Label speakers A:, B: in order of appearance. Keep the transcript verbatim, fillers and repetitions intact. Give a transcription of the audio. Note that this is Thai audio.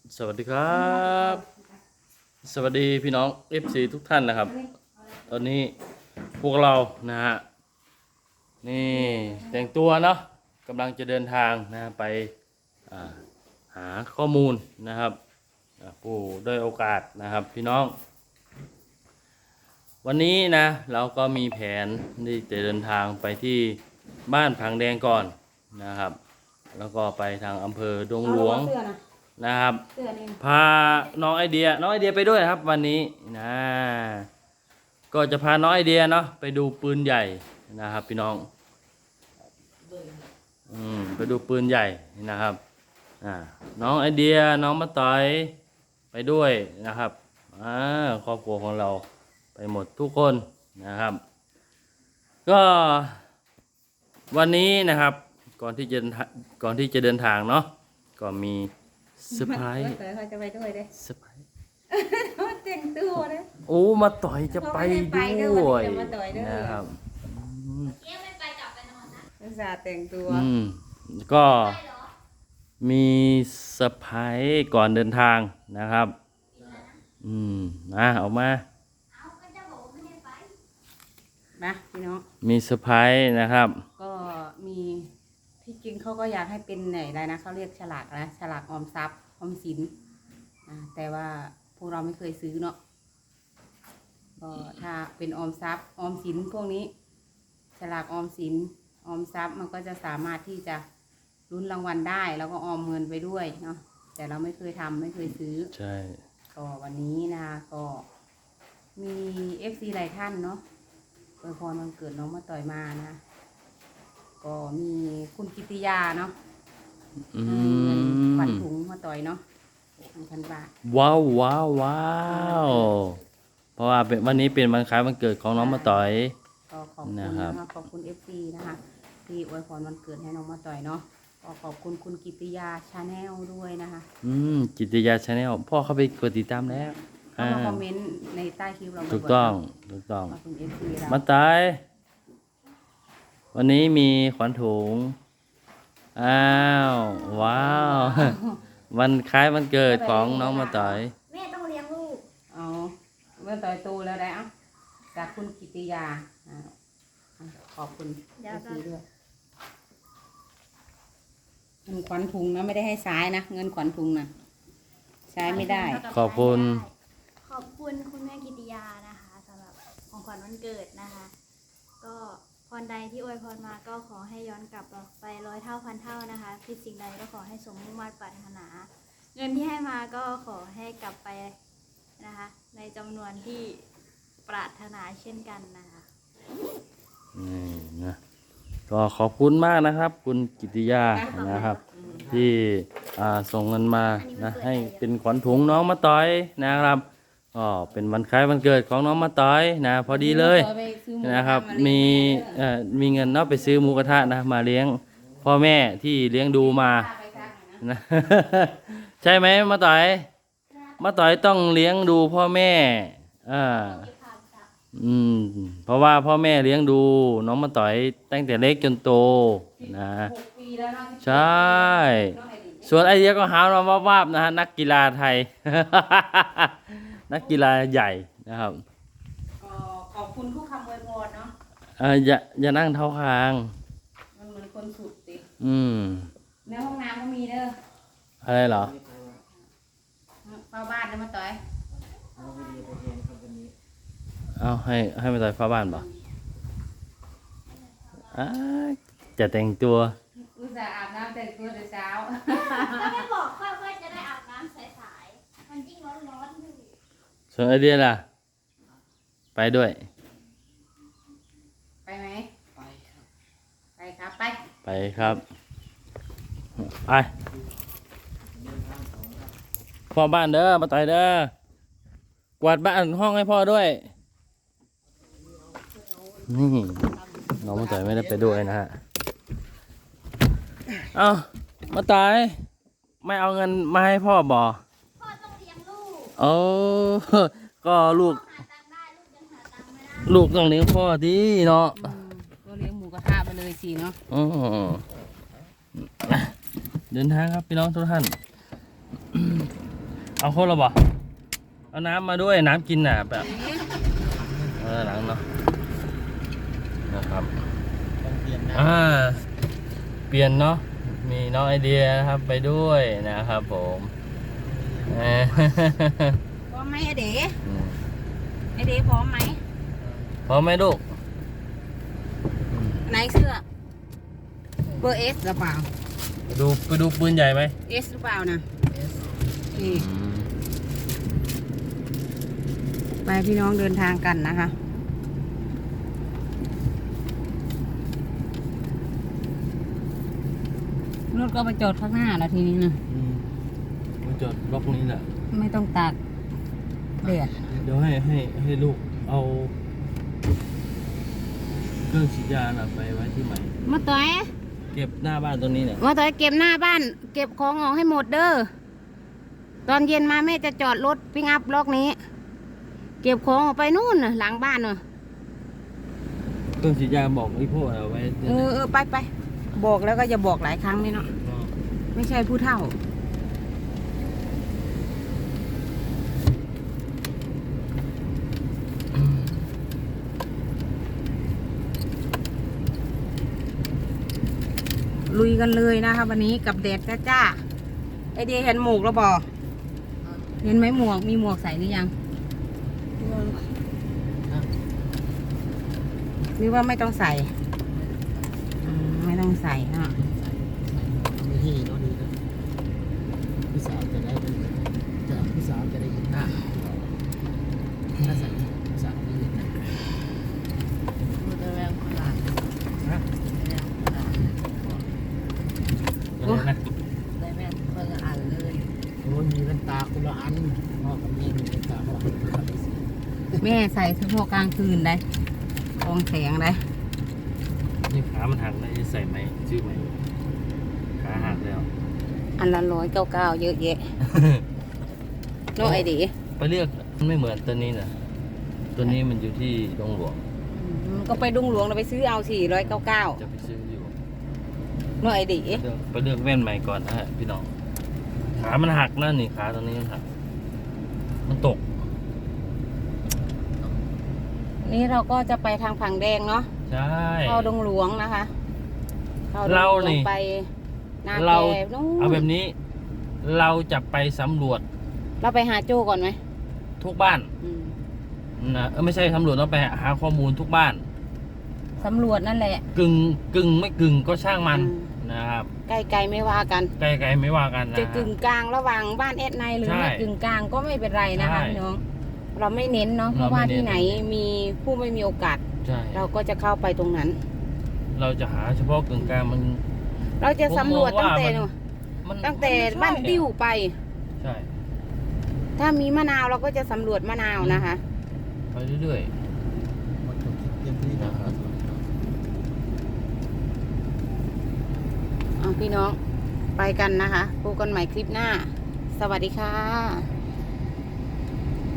A: สวัสดีครับสวัสดีพี่น้อง เอฟ ซี ทุกท่านนะครับตอนนี้พวกเรานะฮะนี่แต่งตัวเนาะกำลังจะเดินทางนะไปหาข้อมูลนะครับผู้ได้โอกาสนะครับพี่น้องวันนี้นะเราก็มีแผนที่จะเดินทางไปที่บ้านผังแดงก่อนนะครับแล้วก็ไปทางอำเภอดงหลวงนะครับพาน้องไอเดียน้องไอเดียไปด้วยครับวันนี้นะก็จะพาน้องไอเดียเนาะไปดูปืนใหญ่นะครับพี่น้องอืมไปดูปืนใหญ่นะครับอ่าน้องไอเดียน้องมะต๋อยไปด้วยนะครับอ่าครอบครัวของเราไปหมดทุกคนนะครับก็วันนี้นะครับก่อนที่จะก่อนที่จะเดินทางเนาะก็มีเซอร์ไพรส์
B: เขาจะไปด้วยเด้
A: เซอร์ไพรส์
B: แต่งตัวเลย
A: โอ้มาต่อยจะไปด้วยนะครับ
C: เอ๊ะไม่ไปกลับไปนอนนะ
B: อุตส่าห์แต่งตัว
A: อืมก็มีเซอร์ไพรส์ก่อนเดินทางนะครับอืมนะออกมา
C: เอาก็จะบอกว่าไม่ได้ไป
B: นะพี่น้อง
A: มีเซอร์ไพรส์นะครับ
B: ก็มีที่จริงเขาก็อยากให้เป็นไหนอะไรนะเขาเรียกฉลากนะฉลากออมทรัพย์ออมสินอ่าแต่ว่าพวกเราไม่เคยซื้อเนาะก็ถ้าเป็นออมทรัพย์ออมสินพวกนี้ฉลากออมสินออมทรัพย์มันก็จะสามารถที่จะลุ้นรางวัลได้แล้วก็ออมเงินไปด้วยเนาะแต่เราไม่เคยทำไม่เคยซื้อ
A: ใช่
B: ก็วันนี้นะคะก็มีเอฟซีหลายท่านเนาะอวยพรวันเกิดน้องมาต่อยมานะก็มีคุณกิติยาเนาะเงินขวัญถุงมาต่อยเนาะหนึ่งพันบาท
A: ว้าวว้าวว้าวเพราะว่าเป็นวันนี้เป็นวันคล้ายวันเกิดของน้องมาต่อย
B: ก็ขอบคุณนะคะขอบคุณเอฟซีนะคะที่อวยพรวันเกิดให้น้องมาต่อยเนาะก็ขอบคุณคุณกิติยาชาแนลด้วยนะคะ
A: อืมกิติยาชาแนลพ่อเข้าไปกดติดตามแล้ว
B: เข้ามาคอมเมนต์ในใต้คลิปเรา
A: ถูกต้องถูกต้อง
B: ขอบคุณเอฟซีเรา
A: มาต่อยวันนี้มีขวัญถุงอ้าวว้าววันคล้ายวันเกิดของน้องมาต่อย
C: แม่ต้องเลี้ยงลูก
B: อ๋อเมื่อต่อยตูแล้วได้อ่ะจากคุณกิติยาขอบคุณเอฟซีด้วยเงินขวัญถุงนะไม่ได้ให้ซ้ายนะเงินขวัญถุงนะใช้ไม่ได้
A: ขอบคุณ
C: ขอบคุณคุณแม่กิติยานะคะสำหรับของขวัญวันเกิดนะคะก็พรใดที่อวยพรมาก็ขอให้ย้อนกลับไปร้อยเท่าพันเท่านะคะคิดสิ่งใดก็ขอให้สมมุ่งมั่นปรารถนาเงินที่ให้มาก็ขอให้กลับไปนะคะในจำนวนที่ปรารถนาเช่นกันนะคะ
A: นี่นะก็ขอบคุณมากนะครับคุณกิติยานะครับที่ส่งเงินมานะให้เป็นขวัญถุงน้องมาต่อยนะครับก็เป็นวันคล้ายวันเกิดของน้องมาต่อยนะพอดีเลยนะครับมีมีเงินเนาะไปซื้อหมูกระทะนะมาเลี้ยงพ่อแม่ที่เลี้ยงดูมานะใช่ไหมมาต่อยมาต่อยต้องเลี้ยงดูพ่อแม่อ่าอืมเพราะว่าพ่อแม่เลี้ยงดูน้องมาต่อยตั้งแต่เล็กจนโตนะใช่ส่วนไอเดียก็หามาว่าบๆนะฮะนักกีฬาไทย นักกีฬาใหญ่นะครับ
B: ขอบคุณทุกคำอวยพรเนาะ
A: เอออย่าอย่านั่งเท้าคาง
B: มันเหมือนคนสุดติ
A: อืม
B: ในห้องน้ำก็มีเด้อ
A: อะไรเหรอ
B: เฝ้าบ้านได้มาต่อย
A: เอาให้ให้มาต่อยเฝ้าบ้านป่ะอ่าจะแต่งตัว
B: อุตส่าห์อาบน้ำแต่งตัวแต่เช้า
C: ก็ไม่บอกค่อยว่าจะได้อาบน้ำสายๆมันยิ่งร้อนๆอยู่
A: ส่วนไอเดียล่ะไปด้วย
B: ไปไหมไปครับไปครับไป
A: ไปครับไปพ่อบ้านเด้อมาต่อยเด้อกวาดบ้านห้องให้พ่อด้วยนี่น้องมาต่อยไม่ได้ไปด้วยนะฮะเอามาต่อยไม่เอาเงินมาให้พ่อบ่
C: พ่อต้องเลี้ยงลูก
A: โอ้ก็ลูกลูกต้องเลี้ยงพ่อดีเนาะ
B: ก็เลี้ยงหมูกระทะไปเลยสิเนาะ
A: อ๋อเดินทางครับพี่น้องทุกท่านเอาคนละบ่เอาน้ำมาด้วยน้ำกินน่ะแบบเออหลังเนาะนะครับ
D: ต้องเปลี่ยนนะ
A: อ่าเปลี่ยนเนาะมีน้องไอเดียนะครับไปด้วยนะครับผมเออ
B: พร้อมไหมไอเด๋
A: อืม
B: ไอเด๋พร้อมไหม
A: พร้อมไหมลูก
B: ไหนเสื้อเบอร์เอสหรือเปล่า
A: ไปดูไปดูปืนใหญ่ไหม
B: เอสหรือเปล่านะนี่ไปพี่น้องเดินทางกันนะคะรถก็ไปจอดข้างหน้าแล้วทีนี้นะ
A: อืมมาจอดบล็อกนี้แหละ
B: ไม่ต้องตากเดือด
A: เดี๋ยวให้ให้ให้ลูกเอาเครื่องฉีดยาน่ะไปไว้ที่ใหม่
B: มาต่อย
A: เก็บหน้าบ้านตรงนี้เนี่ย
B: มาต่อยเก็บหน้าบ้าน เก็บของออกให้หมดเด้อตอนเย็นมาแม่จะจอดรถปิ้งอัพล็อกนี้ เก็บของออกไปนู่นน่ะหลังบ้านเนอะ
A: เครื่องฉีดยาบอกไอ้พวกเอาไว้
B: เออเออไปไปบอกแล้วก็จะบอกหลายครั้งนี่เนาะไม่ใช่ผู้เฒ่า ลุยกันเลยนะคะวันนี้กับแดดจ้าๆไอเดียเห็นหมวกแล้วบอเห็นไหมหมวกมีหมวกใส่หรือยังหรือว่าไม่ต้องใส่อืมไม่ต้องใส่เนาะ
D: ไม่ที่เนาะดีนะพี่สาวจะได้เป็นจะพี่สาวจะได้เห็นหน้าถ้าใส่พี่สาวไม่เห็นหน้า
A: ฮะอะไรนะ
D: โอ้ยมีแว่นตาคนละอันพ่อกับแม่มีแว่นตาคนละอัน
B: แม่ใส่เฉพาะกลางคืนได้กองแสงได้
A: นี่ขามันหักเลยใส่ไหมชื่อไหมขาหักแล้ว
B: อันละร้อยเก้าเก้าเยอะแยะโนไอเดี
A: ไปเลือกมันไม่เหมือนตัวนี้นะตัวนี้มันอยู่ที่ดงหลวง
B: ก็ไปดุงหลวงเราไปซื้อเอาสี่ร้อยเก้าเก้า
A: จะไปซื้ออยู่
B: โนไอเดี
A: เลือกไปเลือกแว่นใหม่ก่อนนะฮะพี่น้องขามันหักนะนี่ขาตรงนี้มันหักมันตก
B: นี่เราก็จะไปทางผังแดงเนาะ
A: ใช่
B: เข้าดงหลวงนะคะเข้าดงหลวง
A: เรานี่
B: ไปนา
A: เรา
B: แกนู่น
A: เอาแบบนี้ เราจะไปสำรวจ
B: เราไปหาโจ้ก่อนไหม
A: ทุกบ้าน
B: อืม
A: นะเออไม่ใช่สำรวจเราไปหาข้อมูลทุกบ้าน
B: สำรวจนั่นแหละ
A: กึ่งกึ่งไม่กึ่งก็ช่างมัน
B: อืม
A: นะครับ
B: ไกลๆไม่ว่ากัน
A: ไกลๆไม่ว่ากันนะ
B: จะกึ่งกลางระหว่างบ้านแอดไนหรือ
A: ใช่
B: ไม่กึ่งกลางก็ไม่เป็นไรนะคะ
A: ใช่
B: พี่น้อง เราไม่เน้นเนาะเพ
A: เรา
B: ราะ
A: ไม่
B: ว่า
A: เน้น
B: ที่ไหนมีผู้ไม่มีโอกาส
A: ใช่
B: เราก็จะเข้าไปตรงนั้น
A: เราจะหาเฉพาะกึ่งกลางมัน
B: เราจะสำรวจ
A: ผมม
B: ตั้
A: อง งว่า
B: แต่
A: มัน
B: นู่น
A: มัน
B: ตั้งแต่
A: มัไม่ใช่
B: บ้านติ้วไป
A: ใช่
B: ถ้ามีมะนาวเราก็จะสำรวจมะนาวนะคะ
A: ไปเรื่อย
D: หมดจบเตรียมที่นะครับ
B: เอาพี่น้องไปกันนะคะพบกันใหม่คลิปหน้า สวัสดีค่ะ